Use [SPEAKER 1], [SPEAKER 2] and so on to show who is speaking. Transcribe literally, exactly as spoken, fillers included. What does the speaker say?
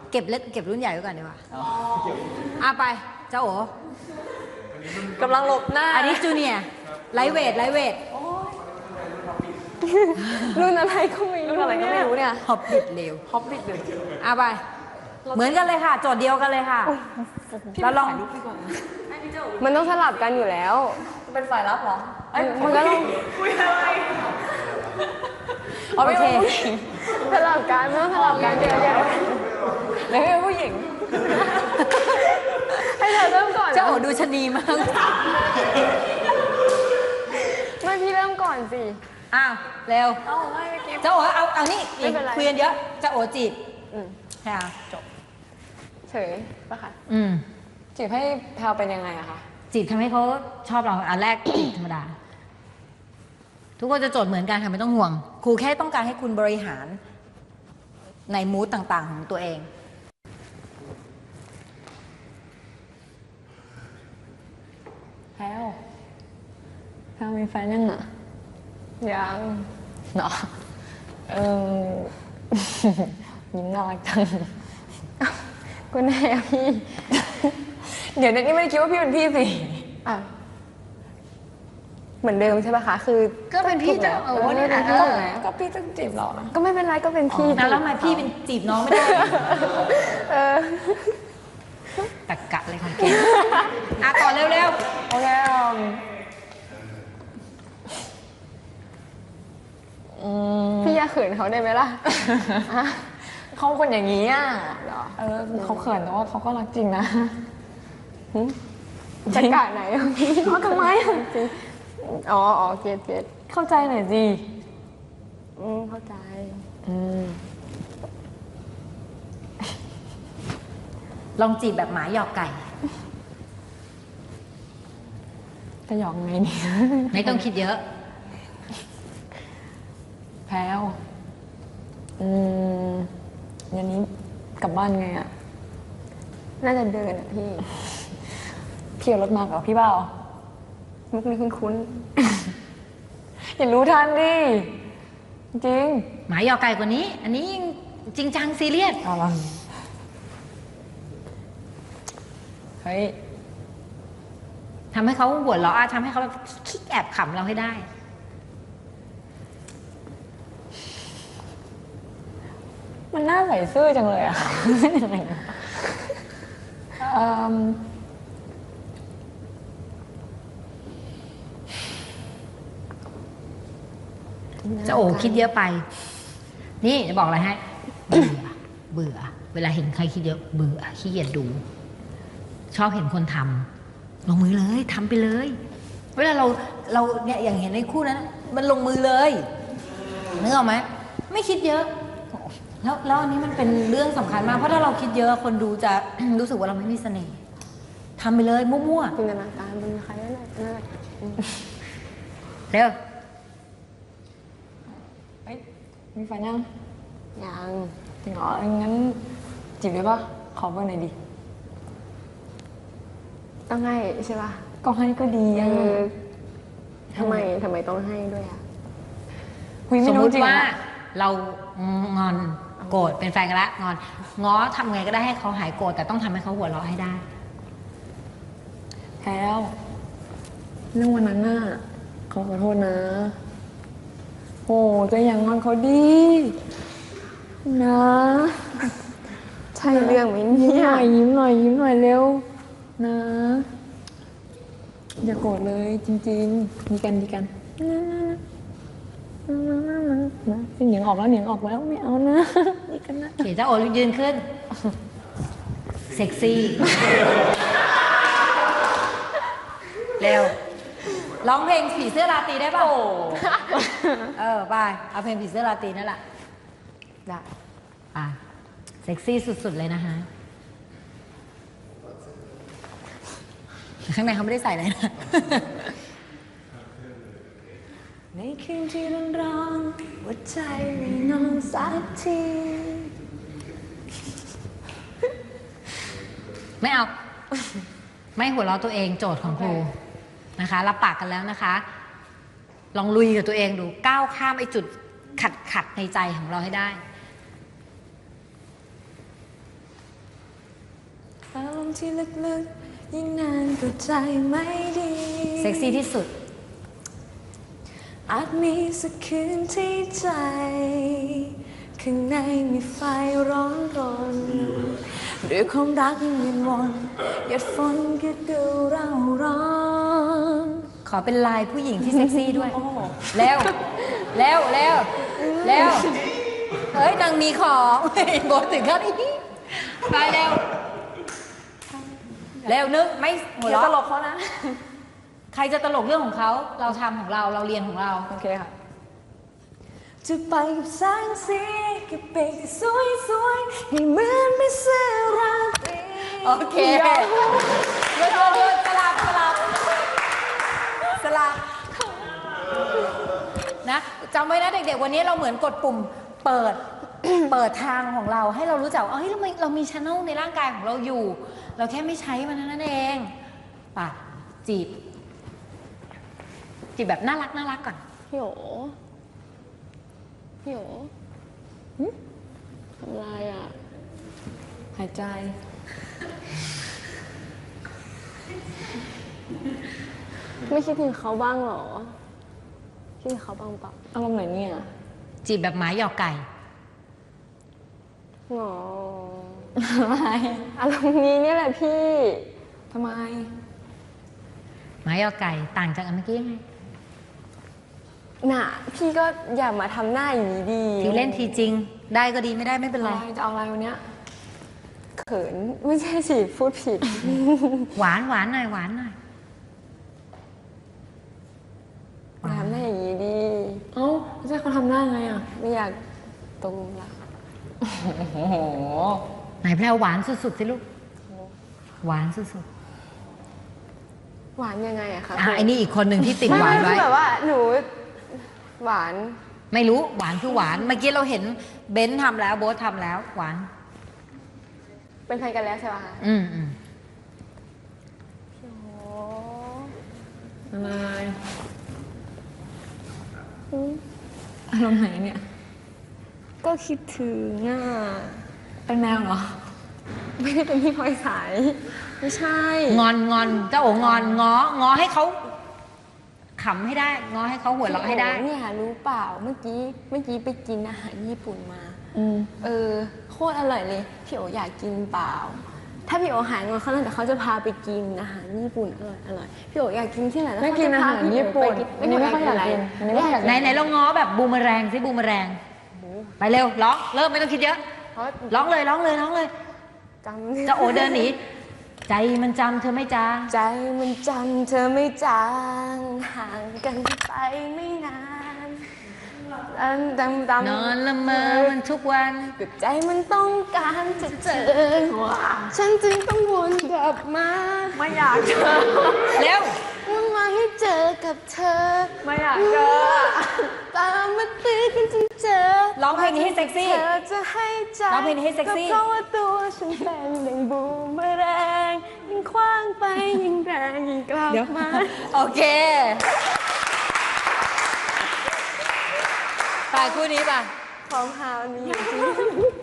[SPEAKER 1] เก็บเล็กเก็บรุ่นใหญ่ไว้ก่อนดีกว่าอ่ะไปเจ้าโอ๋
[SPEAKER 2] กำลังหลบหน้า
[SPEAKER 1] อันนี้จูเนียร์ไลท์เวทไลท์เวท
[SPEAKER 2] รุ่นอะไรก็ไม่รู้รุ่นอะไรก็ไม่รู้เนี่ย
[SPEAKER 1] ฮอบบิทเร็ว
[SPEAKER 2] ฮอบบิทเลย
[SPEAKER 1] อ่ะไปเหมือนกันเลยค่ะโจทย์เดียวกันเลยค่ะเราลอง
[SPEAKER 2] มันต้องสลับกันอยู่แล้วเป็นฝ่ายรับเหรอมันก็ต้องคุยอะไรโอเคสลับกันไม่ต้องสลับกันเดี๋ยวเดี๋ยวแล้วเป็นผู้หญิงให้เธอเริ่มก่อน
[SPEAKER 1] เจ้าโอ๋ดูชนีมาก
[SPEAKER 2] ไม่พี่เริ่มก่อนสิ
[SPEAKER 1] อ้าวเร็ว
[SPEAKER 2] เอาไม่เมื่อกี้
[SPEAKER 1] เจ้าโอ๋เอาเอานี่คุยกันเยอะเจ้าโอ๋จีบค่ะ
[SPEAKER 2] จบเฉยป่ะคะ
[SPEAKER 1] อืม
[SPEAKER 2] จีบให้แพลวเป็นยังไงอะคะ
[SPEAKER 1] จีบทำให้เขาชอบเราอันแรกจีบธรรมดาทุกคนจะโจทย์เหมือนกันค่ะไม่ต้องห่วงครูแค่ต้องการให้คุณบริหารในมูดต่างๆของตัวเอง
[SPEAKER 2] แพลวแพลวมีแฟนยังอะยังเนาะเออยิ้มน่ารักจังก็แน่พี่เดี๋ยวนี้ไม่ได้คิดว่าพี่เป็นพี่สิอ่ะเหมือนเดิมใช่ป่ะคะคือ
[SPEAKER 1] ก็เป็นพี่จะ
[SPEAKER 2] เออนี่นะก็พี่ต้องจีบเราก็ไม่เป็นไรก็เป็นพี่
[SPEAKER 1] แล้วทำไมพี่เป็นจีบน้องไม่ได้
[SPEAKER 2] เออ
[SPEAKER 1] ตะกะเลยของเกมอ่ะต่อเร็ว
[SPEAKER 2] ๆโอเคพี่อย่าเขินเขาได้ไหมล่ะเขาคนอย่างนี้อ่ะเออเขาเขินแต่ว่าเขาก็รักจริงนะจะกะไหนพี่เขาทำไมจริงอ๋ออ๋อเกตเกตเข้าใจหน่อยสิอืมเข้าใจอืม
[SPEAKER 1] ลองจีบแบบหมาหยอกไก่
[SPEAKER 2] จะหยอกไงเนี่ย
[SPEAKER 1] ไม่ต้องคิดเยอะ
[SPEAKER 2] แพลวอืมยันนี้กลับบ้านไงอ่ะน่าจะเดินอ่ะพี่เที่ยวรถมากับพี่เปล่ามุกนี้คุ้นๆอย่ารู้ทันดิจริง
[SPEAKER 1] หมาหยอกไก่กว่านี้อันนี้จริงจังซีเรียส
[SPEAKER 2] อะไรเฮ้ย
[SPEAKER 1] ทำให้เขาหัวเราะทำให้เขาคิกแอบขำเราให้ได้
[SPEAKER 2] มันน่าใส่ซื่อจังเลยอะ
[SPEAKER 1] จะโอ้คิดเยอะไปนี่จะบอกอะไรให้เบื่อเบื่อเวลาเห็นใครคิดเยอะเบื่อขี้เกียจดูชอบเห็นคนทำลงมือเลยทำไปเลยเวลาเราเราเนี่ยอย่างเห็นในคู่นั้นมันลงมือเลยนึกออกไหมไม่คิดเยอะแล้วแล้วอันนี้มันเป็นเรื่องสำคัญมากเพราะถ้าเราคิดเยอะคนดูจะ รู้สึกว่าเราไม่มีเสน่ห์ทำไปเลยมั่ว
[SPEAKER 2] ๆจินตนาการเป็นใครนั่นแหละนั่นแหละ
[SPEAKER 1] เร็ว
[SPEAKER 2] เฮ้ยมีแฟนยังยังจริงเหรองั้นจีบได้ปะขอเบอร์หน่อยดิต้องให้ใช่ปะก็ให้ก็ดีเออทำไมทำไมต้องให้ด้วยอ่ะ
[SPEAKER 1] สมมติว่าเรางอนโกรธเป็นแฟนกันละงอนง้อทำไงก็ได้ให้เขาหายโกรธแต่ต้องทำให้เขาหัวเราะให้ได้
[SPEAKER 2] แพลวเรื่องวันนั้นน่ะเขาขอโทษนะโอ้ก็ยังงอนเขาดีนะใช่เรื่องไหมเนี่ยยิ้มหน่อยยิ้มหน่อยเร็วนะอย่าโกรธเลยจริงๆดีกันดีกันเหนียงออกแล้วเหนียงออกแล้วไม่เอานะดีกันนะ
[SPEAKER 1] เขียนเจ้าโอยืนขึ้นเซ็กซี่เร็วร้องเพลงผีเสื้อราตรีได้ป่ะเออไปเอาเพลงผีเสื้อราตรีนั่นแหละได้อ่ะเซ็กซี่สุดๆเลยนะคะข้างในเขาไม่ได้ใส่เลยนะ
[SPEAKER 2] ในคืนที่ร้อนร้อนหัวใจไม่นอนสักที
[SPEAKER 1] ไม่เอาไม่หัวเราะตัวเองโจทย์ของครูนะคะรับปากกันแล้วนะคะลองลุยกับตัวเองดูก้าวข้ามไอ้จุดขัดขัดในใจของเราให้ได้
[SPEAKER 2] ที่ลึกๆยิ่งนานก็ใจไม่ดี
[SPEAKER 1] เซ็กซี่ที่สุด
[SPEAKER 2] อาจมีสักคืนที่ใจข้างในมีไฟร้อนรนด้วยความรักยังเวียนวนหยดฝนก็ดูเร่าร้อน
[SPEAKER 1] ขอเป็นลายผู้หญิงที่เซ็กซี่ด้วยเร็วเร็วเร็วเร็วเฮ้ยนางมีของบทถึงขั้นนี้ไปเร็วเร็วนึกไม่หัว
[SPEAKER 2] เดี๋ยว
[SPEAKER 1] เราะ
[SPEAKER 2] ตลกเขานะ
[SPEAKER 1] ใครจะตลกเรื่องของเขาเราทำของเราเราเรียนของเรา
[SPEAKER 2] โอเคค่ะจะไปกับแสงสีกับเปกที่สวยสวยให้เหมือนไม่เสื้อราตรี
[SPEAKER 1] โอเคเดี๋ยวเดี๋ยวสลับสลับสลับนะจำไว้นะเด็กๆวันนี้เราเหมือนกดปุ่มเปิด เปิดทางของเราให้เรารู้จักว่าเฮ้ยเรามีเรามีช่องในร่างกายของเราอยู่ เราแค่ไม่ใช้มันนั่นเองป่ะจีบจีบแบบน่ารักน่ารักก่อน
[SPEAKER 2] พี่โอพี่โอทำไรอ่ะ หายใจ ไม่คิดถึงเขาบ้างเหรอคิดถึงเขาบ้างเปล่าอารมณ์ไหนเนี่ย
[SPEAKER 1] จีบแบบหมาหยอกไก่
[SPEAKER 2] หรออะไรอารมณ์นี้เนี่ยแหละพี่ทำไม
[SPEAKER 1] หมาหยอกไก่ต่างจากอันเมื่อกี้ยังไง
[SPEAKER 2] น่ะ พี่ก็อย่ามาทำหน้าอย่างนี้ดี
[SPEAKER 1] ทีเล่นทีจริง ได้ก็ดีไม่ได้ไม่เป็นไร
[SPEAKER 2] จะเอาอะไรวันเนี้ยเขินไม่ใช่สิพูดผิด
[SPEAKER 1] หวานหวานหน่อยหวานหน่อย
[SPEAKER 2] อย่าทำหน้าอย่างนี้ดีเอ้าไม่ใช่เขาทำหน้าไงอ่ะไม่อยากตรงละ
[SPEAKER 1] ไหนแพรวหวานสุดๆสิลูกหวานสุด
[SPEAKER 2] หวานยังไงอะคะ
[SPEAKER 1] ๆอ่ะไอ้นี่อีกคนหนึ่งที่ติดหวาน
[SPEAKER 2] ไม่
[SPEAKER 1] ไว้
[SPEAKER 2] คือแบบว่าหนูหวาน
[SPEAKER 1] ไม่รู้หวานคือหวานเมื่อกี้เราเห็นเบนซ์ทำแล้วโบ๊ททำแล้วหวาน
[SPEAKER 2] เป็นแฟนกันแล้วใช่ไหมคะ
[SPEAKER 1] อืมอืม
[SPEAKER 2] โอ้
[SPEAKER 3] อะไรอารมณ์ไหนเนี่ย
[SPEAKER 2] ก็คิดถึงอ่ะ
[SPEAKER 3] เป็นแมวเหรอ
[SPEAKER 2] ไม่ได้เป็นพี่พลอยสายไม่ใช่
[SPEAKER 1] งอนงอนเจ้าโองอนง้องอให้เขาขำให้ได้ง้อให้เขาหัวเราะให้ได้
[SPEAKER 2] พี่โอ๋เนี่ยรู้เปล่าเมื่อกี้เมื่อกี้ไปกินอาหารญี่ปุ่นมา
[SPEAKER 3] อืม
[SPEAKER 2] เออโคตรอร่อยเลยพี่โออยากกินเปล่า ถ้าพี่โอหายงอนเขาแล้วแต่เขาจะพาไปกินอาหารญี่ปุ่นอร่อยอร่อยพี่โออยากกินที่ไหนแล้ว
[SPEAKER 3] ไม่
[SPEAKER 2] เขา
[SPEAKER 3] กิน
[SPEAKER 2] จะ
[SPEAKER 3] อา
[SPEAKER 2] พา
[SPEAKER 3] หาร
[SPEAKER 2] พี่
[SPEAKER 3] ญี่
[SPEAKER 2] โอ
[SPEAKER 3] ปุ่
[SPEAKER 2] ไป
[SPEAKER 3] น
[SPEAKER 2] กิน
[SPEAKER 3] อันนี้ไม่ค่อยอยากกินอันนี้ไม่ค่อยอยาก
[SPEAKER 1] ไหน
[SPEAKER 3] กิน
[SPEAKER 1] ไหนเราง้อแบบบูมเมอแรงสิบูมเมอแรงไปเร็วร้องเริ่มไม่ต้องคิดเยอะ
[SPEAKER 2] เพราะ
[SPEAKER 1] ร้องเลยร้องเลยร้องเลย
[SPEAKER 2] จำ
[SPEAKER 1] เจ้าโอเดินหนีใจมันจำเธอไม่จาง
[SPEAKER 2] ใจมันจำเธอไม่จางห่างกันไปไม่นานอันดำดำ
[SPEAKER 1] นอนละเมอมันทุกวัน
[SPEAKER 2] ใจมันต้องการจะเจอฉันจึงต้องวนกลับมาไม่อยากเจอ
[SPEAKER 1] เร็ว
[SPEAKER 2] วนมาให้เจอกับเธอ
[SPEAKER 3] ไม่อยากเจอ
[SPEAKER 2] ตามมาตื้อกันจนเจอ
[SPEAKER 1] ร้องเพลงนี้ให้เซ็กซี่
[SPEAKER 2] เธอจะให้ใจ
[SPEAKER 1] ร้องเพลงนี้ให้เซ็กซี่
[SPEAKER 2] เพราะว่าตัวฉันเป็นดังบูมเมอแรงยิ่งคว้างไปยิ่งแรงยิ่งกลับมา
[SPEAKER 1] โอเคไปคู่นี้ป่ะ
[SPEAKER 2] ของฮาวนี้จริง